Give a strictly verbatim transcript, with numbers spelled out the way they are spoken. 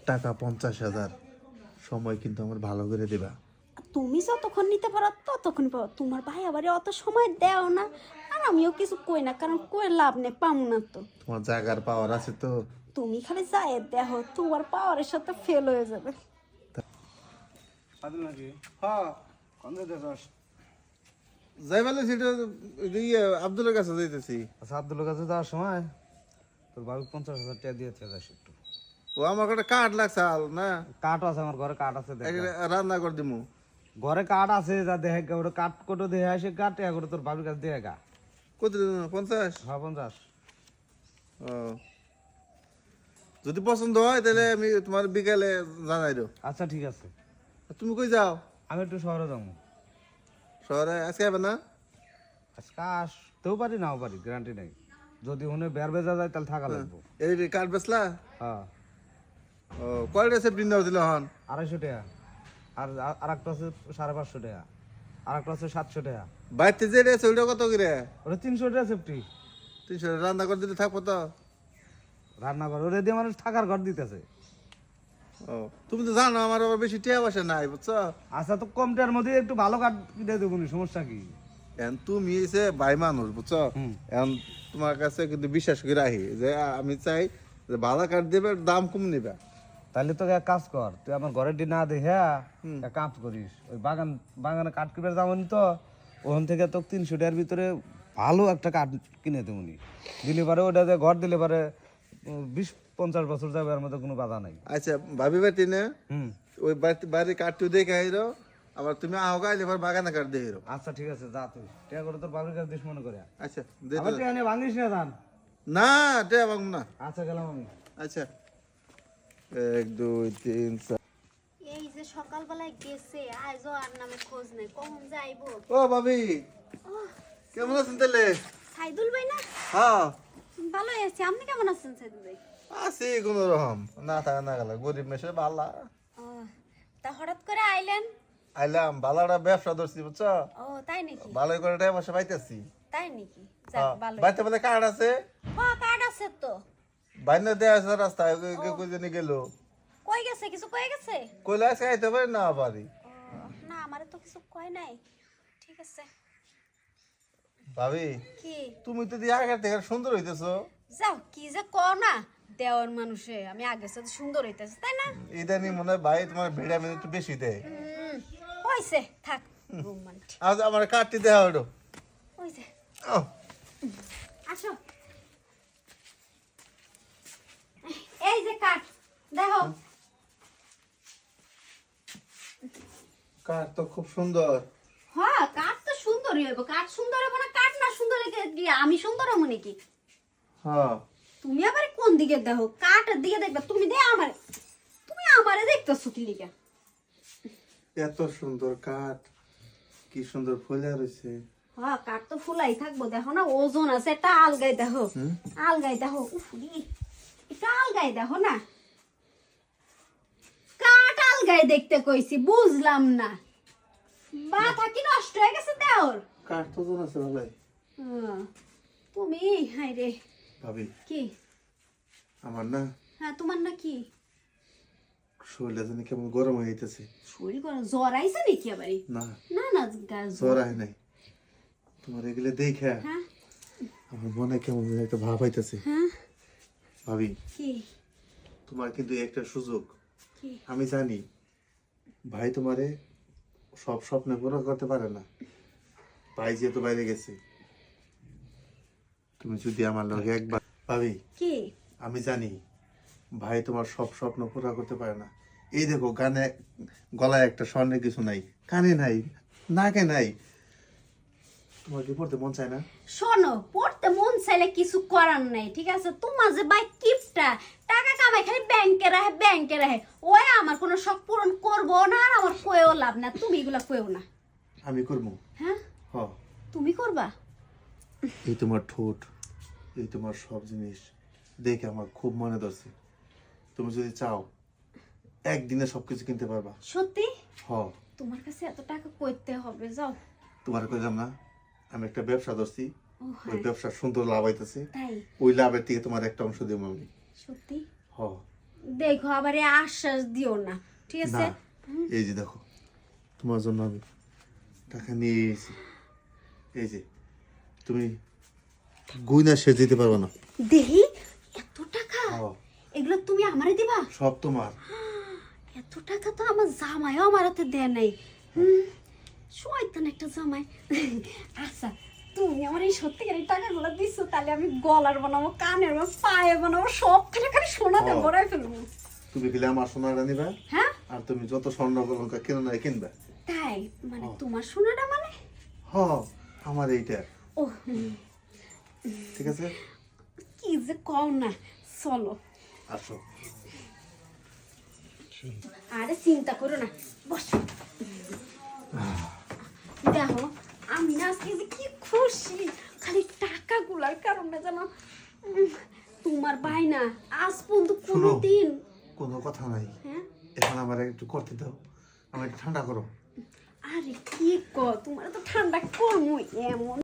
টাকা পঞ্চাশ হাজার, সময় কিন্তু আমার ভালো করে দিবা। তুমি যতক্ষণ নিতে পারো ততক্ষণ পাবো। তোমার ভাই আবার অত সময় দেও না, আর আমিও কিছু কই না, কারণ কই লাভ নেই, পাবো না তো। তোমার জায়গার পাওয়ার আছে তো। তুমি খালি যায় দেখো, তোমার পাওয়ারের সাথে ফেল হয়ে যাবে। যাই বলে সেটা ইয়ে আব্দুলের কাছে যাইতেছি। আচ্ছা, আব্দুলের কাছে যাওয়ার সময় তোর বাবু পঞ্চাশ হাজার টাকা দিয়েছে যাস একটু। ও আমার একটা কাঠ লাগছে আল না, কাঠ আছে আমার ঘরে, কাঠ আছে দেখ। রান্না করে দিমু। ঘরে কাঠ আছে, যা দেখে গা, ওটা কাঠ কোটো দিয়ে আসে, কাঠ এগুলো তোর বাবুর কাছে দিয়ে গা। কত দিন? পঞ্চাশ? হ্যাঁ, পঞ্চাশ। ও, যদি পছন্দ হয় তাহলে আমি তোমার বিকালে জানাই দেব। আচ্ছা ঠিক আছে। তুমি কই যাও? আমি একটু শহরে যাবো। শহরে আজকে হবে না? আজকে আসতেও পারি, নাও পারি, গ্যারান্টি নেই। যদি উনি বের বেজা যায় তাহলে থাকা লাগবো। এই কাঠ বেচলা? হ্যাঁ। ও, কয়টা সেফটি নাও দিল হন? আড়াইশো টাকা। আর আর একটা আছে সাড়ে পাঁচশো টাকা। আর একটা আছে সাতশো টাকা। বাইতে যে রেছে ওইটা কত করে? ওটা তিনশো টাকা সেফটি। তিনশো রান্না করে দিলে থাকবো তো? রান্নাঘর ওরে দিয়ে মানুষ থাকার ঘর দিতেছে। ও, তুমি তো জানো আমার আবার বেশি টিয়া বসে নাই, বুঝছো? আচ্ছা, তো কম টাকার মধ্যে একটু ভালো কাঠ কিনে দেবো, সমস্যা কি? এখন তুমি এসে ভাই মানুষ, বুঝছো? হুম। এখন তোমার কাছে কিন্তু বিশ্বাস করে রাখি যে আমি চাই যে ভালো কাঠ দেবে, দাম কম নেবে। তাহলে তোকে এক কাজ কর, তুই আমার ঘরের ডি না দেখে এক কাজ করিস, ওই বাগান বাগানে কাঠ কিনবে যাবনি তো, ওখান থেকে তোকে তিনশো টাকার ভিতরে ভালো একটা কাঠ কিনে দেবনি। দিলে পারে ওটা যে ঘর দিলে পারে উম, বিশ পঞ্চাশ বছর যাবে, এর মধ্যে কোনো বাধা নাই। আচ্ছা, ভাবি বাড়ি না হুম। ওই বাড়ি বাড়ির কাঠটু দেখে আইরো, আবার তুমি আহ গাইলে এবার বাগানে কাঠ দেখে আইরো। আচ্ছা ঠিক আছে, যা তুই টিয়া করে তোর বাবুর কাছে দিস মনে করে। আচ্ছা দে আবার তো। টিয়া নিয়ে ভাঙিস না ধান। না টিয়া ভাঙবো না। আচ্ছা, গেলাম আমি। আচ্ছা, এক দুই তিন চার। এই যে সকালবেলায় গেছে, আজও আর নামে খোঁজ নেই, কখন যাইবো? ও ভাবি, কেমন আছেন তাহলে? সাইদুল ভাই না? হ্যাঁ ভালো আছি, আপনি কেমন আছেন সাইদুল ভাই? আছি কোন রকম, না থাকা না গেল, গরিব মেশে বালা। ও, তা হঠাৎ করে আইলেন? আইলাম বালাটা ব্যবসা ধরছি, বুঝছো? ও তাই নাকি? ভালোই করে টাকা পয়সা পাইতেছি। তাই নাকি? যাক ভালো। বাড়িতে বলে কার্ড আছে, হ্যাঁ কার্ড আছে তো। বাইরে দেওয়া আছে রাস্তায়, কই জানি গেল। কই গেছে? কিছু কই গেছে? কইলে আজকে আইতে পারি না পারি। ও, না আমারে তো কিছু কয় নাই। ঠিক আছে। ভাবি, কি? তুমি তো দিয়ে আগের থেকে সুন্দর হইতেছো। যাও, কি যে কও না, দেওয়ার মানুষে আমি আগে সাথে সুন্দর হইতেছে, তাই না? ইদানি মনে হয় ভাই তোমার ভিটামিন একটু বেশি দেয়। হুম, হইছে থাক রোমান্টিক। আজ আমার কার্ডটি দেওয়া হলো। হইছে, ও, আসো। এই যে কাঠ দেখো। কার্ড তো খুব সুন্দর। হ্যাঁ কাঠ তো সুন্দরই হইব। কাঠ সুন্দর হইব না, কাঠ না সুন্দর হইলে কি আমি সুন্দর হবো নাকি? হ্যাঁ, তুমি আবার কোন দিকে দেখো? কাঠের দিকে দেখবে তুমি? দে আমার, তুমি আমারে দেখতেছো কি লিগা? এত সুন্দর কাঠ, কি সুন্দর ফুলে রয়েছে। হ্যাঁ কাঠ তো ফুলাই থাকবো, দেখো না ওজন আছে, এটা আলগাই দেখো, আলগাই দেখো। উফ রে, এটা আলগাই দেখো না, কাঠ আলগাই দেখতে কইছি, বুঝলাম না। মাথা কি নষ্ট হয়ে গেছে দেওর? কাঠ তো ওজন আছে ভালোই। হ্যাঁ, তুমি হাই রে। ভাবি, কি? আমার না হ্যাঁ তোমার না কি? শরীরটা জানি কেমন গরম হয়ে যেতেছে। শরীর গরম? জ্বর আইছে নাকি আবারই? না, না না গা- জ্বর আয় নাই, তোমার এগুলো দেখে হ্যাঁ আমার মনে কেমন যেন একটা ভাব হইতেছে। হ্যাঁ। ভাবি, কি? তোমার কিন্তু একটা সুযোগ। কি? আমি জানি ভাই তোমারে সব স্বপ্ন পুরো করতে পারে না, ভাই যেহেতু বাইরে গেছে। তুমি যদি আমার লগে একবার, ভাবি কি? আমি জানি ভাই তোমার সব স্বপ্ন পুরো করতে পারে না। এই দেখো, গানে গলায় একটা স্বর্ণের কিছু নাই, কানে নাই, নাকে নাই, তোমার কি পড়তে মন চায় না? শোনো, পড়তে মন চাইলে কিছু করার নাই, ঠিক আছে? তোমার যে বাই কিপটা টাকা কামাই খালি ব্যাংকে রাখে, ব্যাংকে রাখে, ওই আমার কোনো শখ পূরণ করবো না, আর আমার কয়েও লাভ না, তুমি এগুলা কয়েও না। আমি করবো। হ্যাঁ হ, তুমি করবা? এই তোমার ঠোঁট, এই তোমার সব জিনিস দেখে আমার খুব মনে ধরছে। তুমি যদি চাও একদিনে সবকিছু কিনতে পারবা। সত্যি? হ, তোমার কাছে এত টাকা কইতে হবে? যাও। তোমার কইলাম না আমি একটা ব্যবসা ধরছি, ও ওই হ্যাঁ ব্যবসা সুন্দর লাভ হইতেছে, তাই? ওই লাভের থেকে তোমার একটা অংশ দেবো আমি। সত্যি? হ, দেখো আবার এই আশ্বাস দিও না, ঠিক না আছে? এই যে দেখো তোমার জন্য আমি টাকা নিয়ে এসেছি। এই যে তুমি গুইনা শেষ দিতে পারবে না। দেহি এত টাকা, ও, এগুলো তুমি আমারে দিবা? সব তোমার। এত টাকা তো আমার জামাইও আমার হাতে দেয় নাই। হুম, শয়তান একটা জামাই। আচ্ছা তুমি আমার এই সত্যিকারের টাকাগুলো দিচ্ছ, তাহলে আমি গলার বানাবো, কানের বানাবো, পায়ে বানাবো, সব খানে খালি সোনাতে ও। ভরাই ফেলবো। তুমি খেলে আমার সোনাটা নিবা, হ্যাঁ আর তুমি যত স্বর্ণ অলঙ্কার কেন না কিনবা। তাই মানে ও। তোমার সোনাটা মানে? হ আমার এইটা, ও হুম, ঠিক আছে? কি যে কও না, চলো। আসো। আরে চিন্তা করো না, বসো। দেখো আমি না আজকে যে কি খুশি, খালি টাকাগুলার কারণে জানো। উম, তোমার ভাই না আজ পর্যন্ত শোনো। কোনোদিন, কোনো কথা নাই, হ্যাঁ এখন আমার একটু করতে দাও, আমার একটু ঠান্ডা করো। আরে কি কর, তোমার তো ঠান্ডা করমু এমন